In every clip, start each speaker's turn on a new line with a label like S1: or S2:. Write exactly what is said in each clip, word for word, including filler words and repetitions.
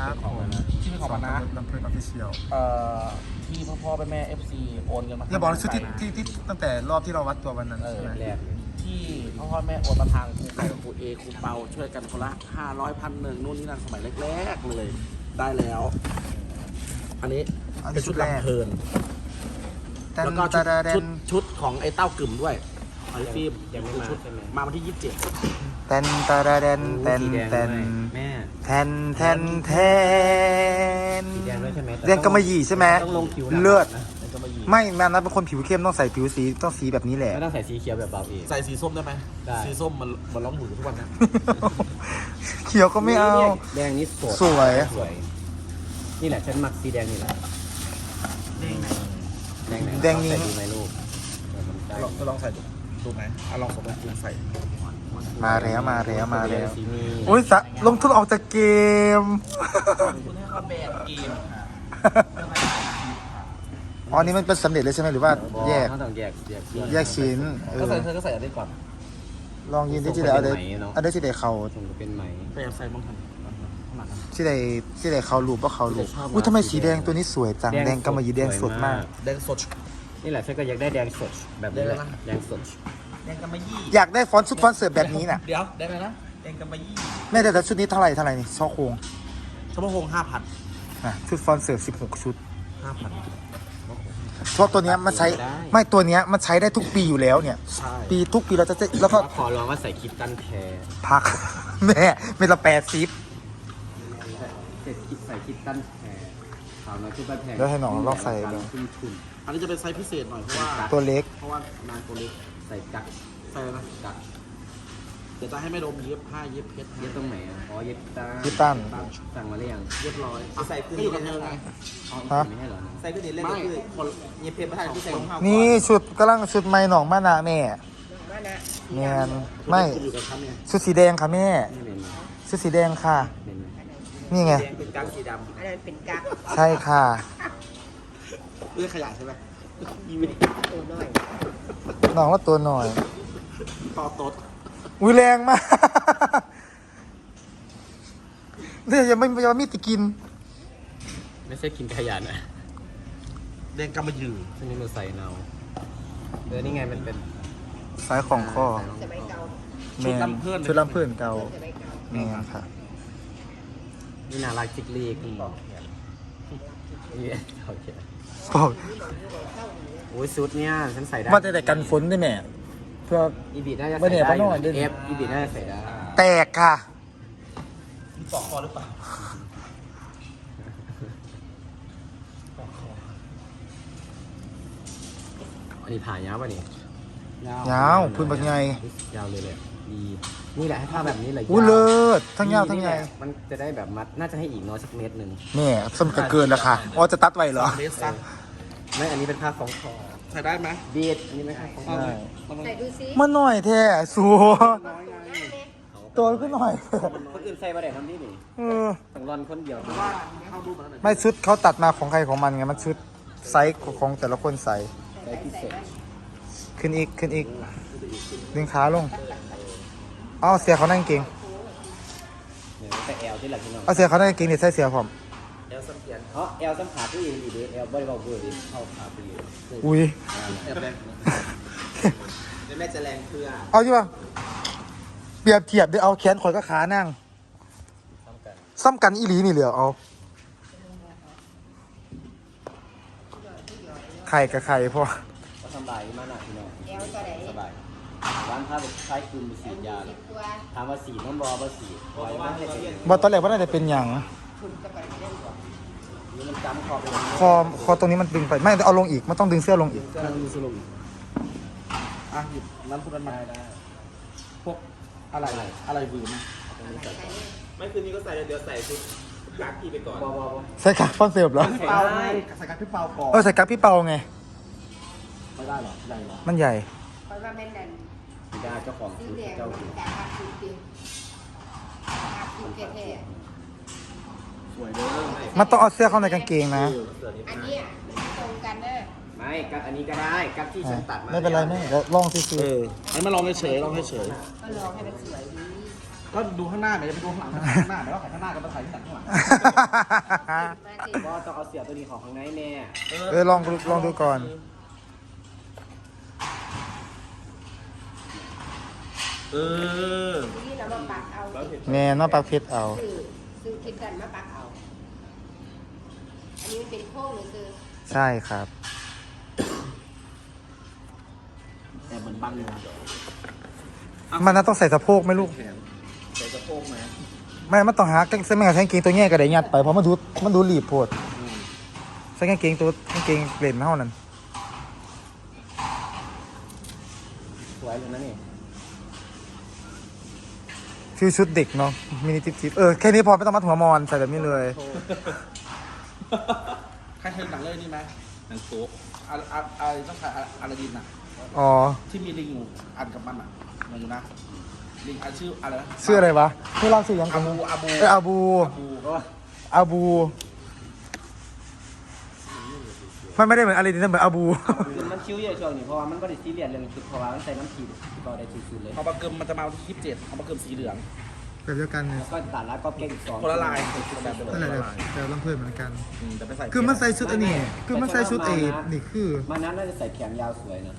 S1: ครับผมที่เป็นของมันนะลำเพลินออฟฟิเชียล
S2: เอ่อที่พ่อพ่อแม่แม่เอฟซีโอนเงินมา
S1: อย่าบอกนะชุดที่ที่ที่ตั้งแต่รอบที่เราวัดตัววันนั้น
S2: เออ
S1: ใช่ไหม
S2: แรกที่พ่อพ่อแม่โอนมาทางครูไก่กับครูเอครูเปาช่วยกันคนละห้าร้อยพันหนึ่งนู่นนี่นั่นสมัยแรกๆเลยได้แล้ว อันนี้เป็นชุดลำเพลินแล้วก็ชุดชุดชุดของไอ้เต้ากึ่มด้วยไอ้ฟิล์มยังไม่มาชุดมาวันที่ยี่สิบเจ็ด
S1: แตนตาดาแดนแตนแตน
S3: แม่
S1: แทนแทนแทน
S3: สีแดงด้วยใช่ไหม
S1: เรียนกำมะหยี่ใช่ไหม
S3: ต้องลงผิว
S1: เลือด
S3: นะก็มายี
S1: ไม่แม่นะเป็นคนผิวเข้มต้องใส่ผิวสีต้องสีแบบนี้แหละ
S3: ไม่ต้องใส่สีเขียวแบบเบาเอง
S2: ใส่สีส้มได้ไหม
S3: ได้
S2: สีส้มมันมันร้องหมูทุกวันนะ
S1: เขียวก็ไม่เอา
S3: แดงนี้สด
S1: สวย
S3: สวย นี่แหละฉันมักสีแดงนี่แหละแดงไหน
S1: แดงนี้
S3: ใส่ดูไหมลูกเออมันได้
S2: ลองลองใส่ดูดูไหมอ่ะลองสมมติลองใส่
S1: มาแล้วมาแล้วมาแล้ว
S3: สีนี้
S1: โอ้ยสะลงทุนออกจากเกม
S2: คุณให้เขาแบบเกมค่ะ
S1: อ๋อนี่มันเป็นสำเร็จเลยใช่ไหมหรือว่าแยก
S3: เขาต้องแยกแยก
S1: แยกชิ้นเอ
S2: ก็
S1: อ
S2: ใส่เธอก็ใส่อันนี้ก่อน
S1: ลองยืนที่ที่ไหนเอาได้
S3: เป็นไหมเนอะ
S1: เอาได้ที่ไหนเขา
S3: คงจะเป็นไหม
S2: ไปเอาใส่บ้างทันข้างหลังนะ
S1: ที่ไหนที่ไหนเขารูปว่าเขารูป
S2: ชอบมาก
S1: อุ้ยทำไมสีแดงตัวนี้สวยจังแดงกำมะหยี่แดงสดมาก
S2: แดงสด
S3: นี่แหละฉันก็อยากได้แดงสดแบบนี้แหละ
S2: แดงอะไรนะ
S3: แดงสด
S2: แดงกำมะยี่
S1: อยากได้ฟอนต์ชุดฟอนต์เสิร์ฟแบบนี้น่ะ
S2: เดี๋ยวได้ไหมนะแดงกำมะยี่
S1: แม่แต่แต่ชุดนี้เท่าไหร่เท่าไหร่นี่ช่อโครง
S2: ชั่วโมงห้าพัน
S1: นะชุดฟอนต์เสิร์ฟสิบหกชุด
S2: ห้าพัน
S1: เพราะตัวเนี้ยมันใช้ไม่ตัวเนี้ยมันใช้ได้ทุกปีอยู่แล้วเนี่ย
S2: ใช่
S1: ปีทุกปีเราจะแล้วก็
S3: ขอลองว่าใส่คิดตันแคร์
S1: พัก แม่เป็นละแปดซิป
S3: เสร็จคิดใส่คิดตันแคร์ขาวน้อยชุดบ้านแพง
S1: แล้วให้น้องลองใส่ดู
S3: ขึ้นทุน
S2: อันนี้จะเป็นไซส์พิเศษหน่อยเพราะว่า
S1: ตัวเล็ก
S2: เพราะว่านางตัวเล็ก
S3: ใส่กัก
S2: ใส่นะ
S3: กัก
S2: เดี๋ยวจะให้แม่ดมเย็บผ้าเย็บเพชร
S3: เย็บตรงไหนอ่ะอ๋อเย็บตา
S1: คิดตั้น
S3: สั่งมาหรือยัง
S2: เรียบร้อย
S4: ใส่ขึ้น
S2: ก็อยู่กับเธอไง
S3: อ๋อ
S1: ฮะ
S3: ไม่ให้เหรอ
S4: ใส่ก็เดี๋ยวเล่น
S2: ไม่
S4: ก็คือ
S2: คน
S4: เย็บเพชรประธานที่ใส่รองเท้า
S1: นี่ชุดกำลังชุดไม้หนองมานาแม่แมนไม่
S2: อยู่กับฉันไง
S1: ชุดสีแดงค่ะแม่
S3: ไม่เป็นไร
S1: ชุดสีแดงค่ะ
S3: เป็นไร
S1: นี่ไง
S4: แดงเป็นกั๊กสีด
S5: อันนั้นเป็นกั๊ก
S1: ใช่ค่ะ
S2: เรื่องขยะใช่ไหม
S5: ตัวน้อย
S1: น้องว่าตัวหน่อย
S2: ต่อโต๊ด
S1: อุ้ยแรงมากเนี่ยยังไม่ยังไม่มีติกิน
S3: ไม่ใช่กินขยะนะ
S2: แดงกำมะหยี่
S3: ช่วงนี้มันใส่เนาเออนี่ไงมันเป็น
S1: สายของข้อ
S5: สมัยเก่า
S1: แมนชุดลำเพื่อนเก่า
S5: สมัยเก่า
S1: แมนค่ะ
S3: นี่น่ารักจิกลีกนี่โอเค
S1: บอก
S3: โอ้ยชุดเนี่ยฉันใส่ได้
S1: ว่าแต่แต่กันฝนด้วยแม่เพื่อ
S3: อีบีน่าจะ
S1: ไม่
S3: ใส่
S1: เนี่ย
S3: ได้อ
S1: พะโน่
S3: ยู่
S1: เดี๋ยว
S3: เอฟอีบีน่าจะใส่ได้
S1: แตกค่ะ
S2: มีปอกคอหรือเปล่า
S3: อันนี้ผ่ายาวป่ะนี่
S1: ยาวพื้นแบบไง
S3: ยาวเลยเลยดีนี่แหละให้ผ้าแบบนี้เลย
S1: อู้เลิศทั้งยาวทั้ง
S3: นี่
S1: ให
S3: แห
S1: ญ่
S3: ละมันจะได้แบบมัดน่าจะให้อีกน้อยสักเมตรหนึ่ง
S1: แม่สมกับเกินแล้วค่ะอ๋อจะตัดไว้เหรอ
S2: เลสซัก
S3: ไม่อันนี้เป็นผ้าของคอ
S2: ใส่ได้ไหม
S3: บีดอันนี้ไม่ใช่ของคอ
S1: ใช่
S5: ใส่ดูซิ
S1: มันหน่อยแท้สัวตัวก็หน่อย
S3: คนอื่นใส่มาได้ทำนี่นี่
S1: เออ
S3: ต้องรอนคนเดียว
S2: ว่าเข้ารูปมาแล้ว
S1: ไม่ชุดเขาตัดมาของใครของมันไงมันชุดไซส์ของแต่ละคนใส่
S3: ใส่พิเศษ
S1: ขึ้นอีกขึ้นอีกดึงขาลงเอาเสียเขานั่งเก่ง
S3: เนี่ยแต่แอลที่หลังที่น้อง
S1: เอาเสียเขานั่งเก่งเดี๋ยวใส่เสียผม
S3: แอลสัมเกียนเพราะแอลสัมผัสที่อีดีแอลบริบาลเบอร์ดิเข้าขาไปเลย
S1: อุ้ย
S4: ำแอบแรงแล้วแม่จะแรงเพื่อ
S1: เอาอยู่ป่ะเปรียบเทียบด้วยเอาแขนข่อยก็ขานั่ง
S3: ซ้ำกัน
S1: ซ้ำกันอีหลีนี่เหลือเอาไข่กับไข่พ่อ
S3: ก็สบายมากนะพี่น้อง
S5: แอลตัวไหน
S3: สบายร้านผ้าแบบคล้ายคลึงมีสียาเลย
S5: ตัว
S3: ถามว่าสีน้ำรอว่าสีไว้ว่าให้เป็น
S1: บอตอนแรกว่าน่าจะเป็นอย่าง
S5: ทุนกับไปเล่นก่อน
S3: นี่มันจำคอไปเลย
S1: คอคอตรงนี้มันดึงไปไม่เอาลงอีกมันต้องดึงเสื้อลงอีก
S2: กำลังมีสรุปอ่ะหยิบน้ำพุนั้นมาได้พวกอะไรอะไรบืน
S4: ไม่คืนนี้ก็ใส่เดี๋ยวใส่ชุดกั๊กพี่ไปก่อน
S3: บอบอบ
S1: ใส่กั๊กฟอนเสิร์ฟเหรอ
S2: พี่เปาไงใส่กับพี่เปาก่อน
S1: เออใส่กั๊กพี่เปาไง
S2: ไม่ได้หรอใหญ่หรอ
S1: มันใหญ่
S5: เพราะว่าแม่นั่น
S3: สีดาเจ้าของ
S5: สี
S3: ชุด
S5: แดง
S3: เจ้า
S5: มัน
S3: ชุด
S5: แต่ภาพชุดจริงภาพชุดแท้
S2: สวยเด้อ
S1: มันต้องเอาเสื้อเข้าในกางเกงนะ
S5: ๆอันเนี้ยตรงกันเด้อ
S3: ไม่กัดอันนี้ก็ได้กัดที่ฉันตัดมา
S1: ไม่เป็นไรแม่เดี๋ยวลองซื้อ
S2: เออให้มาลองเฉยๆลองเฉย
S5: ก็ลองให้มันสวยดี
S2: ๆก็ดูข้างหน้าไม่ได้ไปดูข้างหลังข้างหน้าไม่ว่าใครข้างหน้าก็มาถ่ายที่หลังข้างหลัง
S5: มาสิ
S3: ก็ต้องเอาเสียบตัวนี้ของข้างในแน่
S1: เออลองดูลองดูก่อน
S2: เออ
S5: ทีนี้เรามาปักเอา
S1: แน่นอนปากเพชรเอา
S5: ซื้อซื้อคิดกันมาปักเอา อันนี้มันเป็นโค้งหรือคือ
S1: ใช่ครับ
S2: แต่เหมือนบังเลยนะ
S1: มันน่าต้องใส่สะโพกไหมลูก
S2: แขนใส่สะโพกไหม
S1: ไม่มันต้องหากางเส้นไม่กับกางเกงตัวแง่กระไดยัดไปเพราะมันดูมันดูหลีบโพดใส่กางเกงตัวกางเกงเปลี่ยนเท่านั้น
S3: สวยเลยนะนี่
S1: ฟิวชุดเด็กเนาะมินิจิ๊บจิ๊บเออแค่นี้พอไม่ต้องมัดหัวมอนใส่แบบนี้เลย
S2: ใครเคยหนังเรื่องนี้ไหมหนังโต๊ะอะไรอะไรต้องใช้อะไรดินอ่ะ
S1: อ๋อ
S2: ที่มีลิงอยู่อันกับมันอ่ะมาอยู่นะลิงอันชื่ออะไรนะ
S1: ชื่ออะไรวะที่เล่าชื่อยัง
S2: อาบูอาบู
S1: เอออาบู
S2: อาบู
S3: ก็
S1: อาบูมันไม่ได้เหมือนอะไรนี่นะเหมือนอาบู
S3: คือมันคิ้วเยอะช่วงนี้เพราะว่ามันก็ได้ซีเรียสเรื่องชุดเพราะว่ามันใส่น้ำขีดก็ได้ชุดๆเลย
S2: พอปลาเกิมมันจะมาวันที่ยี่สิบเจ็ดพอปลาเกิมสีเหลือง
S1: แบบเดียวกันเนี่ย
S3: ก็ตาดแล้วก็เก่งอีกสอง
S2: คนละลาย
S1: นั่นแหละแบบแบบลำเพื่อนเหมือนกัน
S2: อืมแต่ไปใส่
S1: คือมันใส่ชุดอันนี้คือมันใส่ชุดเอนี่คือ
S3: มานั้นน่าจะใส่แขนยาวสวยนะ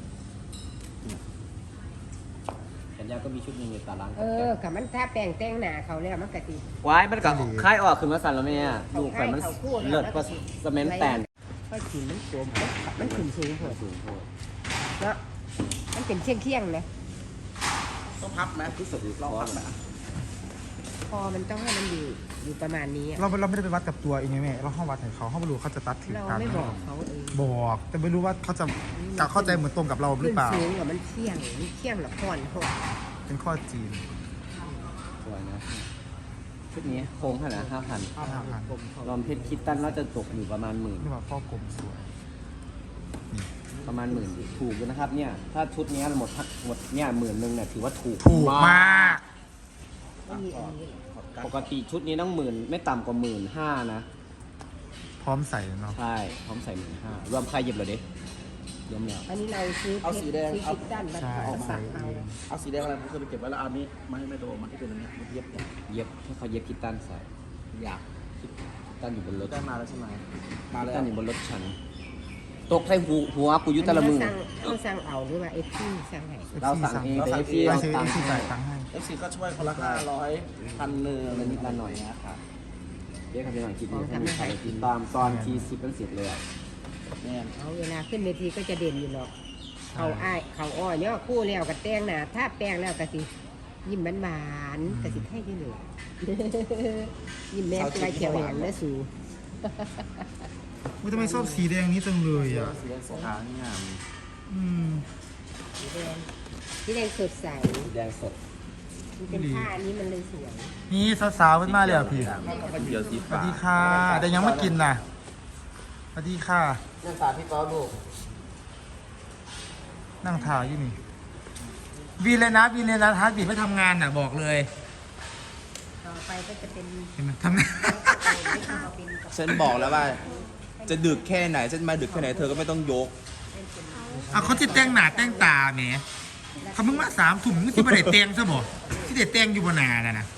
S3: แขนยาวก็มีชุดหนึงอยู่ตาล้าง
S5: เออกับมันถ้าแปลงแต่งหน้าเขาแล้วมันกะติ
S3: ว้ายมันกับคล้ายออกขึ้นมาสั่นแล้วแม่ดูไฟมันเลือดก็สเมนแตน
S5: ก็ขีนมันสวมมันขึ้นสูงโพด
S3: สูงโพด
S5: เนาะมันเป็นเชียงเคียงๆนะ
S2: ต้องพับไหม
S3: ที่สุดคือ
S2: ลอง
S3: คอ
S2: พับไหม
S5: พอมันต้องให้มันอยู่อยู่ประมาณนี้อะ
S1: เราเราไม่ได้ไปวัดกับตัวเองไงแม่เราห้องวัดให้เขาเขาไม่รู้เขาจะตัดถึง
S5: เรา
S1: กัน
S5: ไม่บอกเขาเอง
S1: บอกแต่ไม่รู้ว่าเขาจะจะเข้าใจเหมือนตรงกับเราหรือเปล่า
S5: ขึ้นสูงกว่ามันเที่ยงมันเที่ยงหรอก่อนโหด
S1: เป็นข้อจีน
S3: สวยนะชุดนี้โค้งขนาดห้าพัน
S1: ห้าพัน
S3: ลอมเพชรคิดตันน่าจะตกอยู่ประมาณหมื่น
S1: นี่ว่าข้อกลมสวย
S3: ประมาณหมื่นถูกอยู่นะครับเนี่ยถ้าชุดนี้หมดทั้งหมดเนี่ยหมื่นหนึ่งเนี่ยถือว่าถูก
S1: ถูกมาก
S5: ไม่มีอันนี้
S3: ปกติชุดนี้ต้องหมื่นไม่ต่ำกว่าหมื่นห้านะ
S1: พร้อมใส่เนาะ
S3: ใช่พร้อมใส่หมื่นห้ารวมค่าเย็บเหรอเด็รวมแล้ว
S5: อันนี้เราซื้อเพชรซื้อคิดด้านมา
S1: ใช่
S5: เอา
S1: ใส่
S5: สักเอา
S1: เอง
S2: เอาสีแดงอะไรผมเคยไปเก็บไว้แล้วเอาอันนี้มาให้แม่โดมาที่เป็นอันเนี้ยมันเย็บเนี่ย
S3: เย็บให้เขาเย็บคิดตันใส่
S2: อยาก
S3: คิดตันอยู่บนรถ
S2: ได้มาแล้วใช่ไหมมา
S3: คิด
S2: แล้ว
S3: ตันอยู่บนรถฉันตกใส่หูหัวกูอยุตะละมือ
S5: เราสั่งเราสั่งเอาหรือว่าเอฟซีสั่งให้
S3: เราสั่งเองแต่
S1: ไป
S3: เอฟซีเรา
S1: ซื้อ
S3: ตัง
S1: ที่
S3: ค์
S1: ใส่
S3: ให้
S1: ตังค์ให้
S2: เอฟซีก็ช่วยคนละห้าร้อยพันหนึ่ง
S3: อะไรนิดละหน่อยนะครับเรียกกันเป็นหน่อยคิดดีให้มีใครติดตามตอนทีสิบเป็นสิบเลยอะ
S2: แน่น
S5: เอาเวลาขึ้นเวทีก็จะเด่นอยู่หรอกเขาอ้ายเขาอ้อยเนี่ยคู่แล้วกับแต้งหนาถ้าแป้งแล้วก็สิยิ้มหวานๆก็สิให้ที่เหลือ ยิ้มแม่ปลายเขียวแหงและสู
S1: ว่าทำไมชอบสีแดงนี้จังเลยอ่ะ
S2: สีแดงสีขาวนี่งาม
S1: อืม
S5: สีแดงสีแดงสดใส
S3: แดงสด
S5: มันเป็นผ้าอันนี้มันเลยสวย
S1: นี่สาวๆขึ้นมาเลยอ่ะพี่
S2: ก็เขียวสี
S1: สวั
S2: ฟ้า
S1: สดีค่ะแต่ยังไม่กินน่ะสวัสดีค่ะ
S3: นั่นตาพี่ต้อลูก
S1: นั่งถ่ายอยู่นี่วีเลยนะวีเลยนะฮาร์ดบีทไม่ทำงานน่ะบอกเลย
S5: ต่อไปก็จะเป็น
S1: เห็นไหมทำงาน
S4: ฉันบอกแล้วว่า จะดึกแค่ไหน ฉันมาดึกแค่ไหนเธอก็ไม่ต้องยก
S1: อ่ะเขาจะแต่งหน้าแต่งตาแหมเขาเพิ่งมาสามถุงที่ประเด็แต่งซะบ่ที่เด็ดแต่งอยู่บนนาน่ะนะ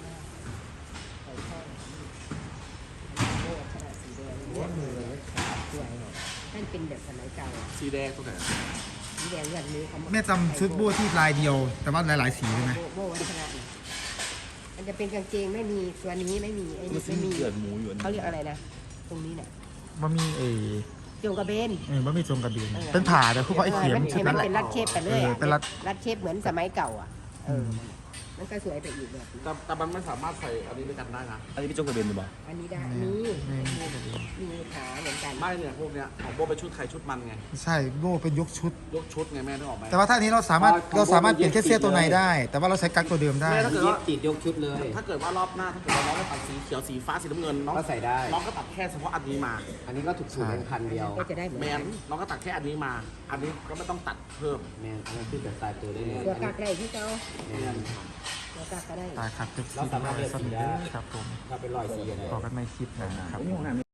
S5: นั่นเป็นแบบสมัยเก่า
S2: สีแดงตรงไหน
S5: สีแดงแบบนี้เขา
S1: แม่จำชุดโบ้ที่ลายเดียว แต่ว่าหลายๆสีใช่ไหม
S5: โบโบวัฒนะนะมันจะเป็นกางเกงไม่มีตัวนี้ไม่มีไอ้นี่ไม่มี
S4: เกิดหมูอยู่อันนี้
S5: เขาเรียกอะไรนะตรงนี้น่ะ
S1: ว่ามีเอ
S5: จงกระเบน
S1: เออว่ามีจงกระเบนเป็นผ่าแต่คือเขาไอ้เข็ม
S5: มัน
S1: ชุด
S5: มั
S1: นั้น นแหละ
S5: เป็นรัดเชฟไปเลย
S1: เออ
S5: อะ
S1: เป็นรัด
S5: รัดเชฟเหมือนสมัยเก่าอ่ะเออมันก็สวยไปอีกแบบนึง
S2: แต่แต่มันไม่สามารถใส่อันนี้ด้วยกันได้นะ
S4: อันนี้พี่โจกระเบนหรือเปล่า
S5: อันนี้ได้นี่
S1: ไม่
S5: มีขาเหมือนกัน
S2: ไม่เนี่ยพวกเนี้ยของโบเป็นชุดใครชุดมันไง
S1: ใช่โบ้เป็นยกชุด
S2: ยกชุดไงแม่นึกออกไหม
S1: แต่ว่าถ้าอันนี้เราสามารถเราสามารถเปลี่ยนแค่เสื้อตัวในได้ แต่ว่าเราใช้กั๊กตัวเดิมได้
S2: แม่ถ้าเกิด
S3: เย็บ
S2: ว่า
S3: ติดยกชุดเลย
S2: ถ้าเกิดว่ารอบหน้าถ้าเกิดว่าน้องจะตัดสีเขียวสีฟ้าสีน้ำเงินน้อง
S3: ก็ใส่ได้
S2: น้องก็ตัดแค่เฉพาะอันนี้มา
S3: อันนี้ก็ถูกสูตรเป็นพันเดียว
S5: ก็จะได้เหมือน
S2: แม
S5: กัน น
S2: น้องก็ตัดแค่อันนี้มา อันนี้ก็ไม่ต้องตัดเพิ่ม
S3: แมนอันนั้นคือแบบตายตัวได้เลย
S5: ตัวกักได้ที่เขา
S3: แมน
S5: ตัวกักก็ได้
S1: ตายครับเจ็บ
S3: เรา
S1: ซี
S3: สามารถเลือกสีได้
S1: ครับผม
S3: ถ้าเป็นรอยสีอะไร
S1: ต่อกันในคลิปนะครับ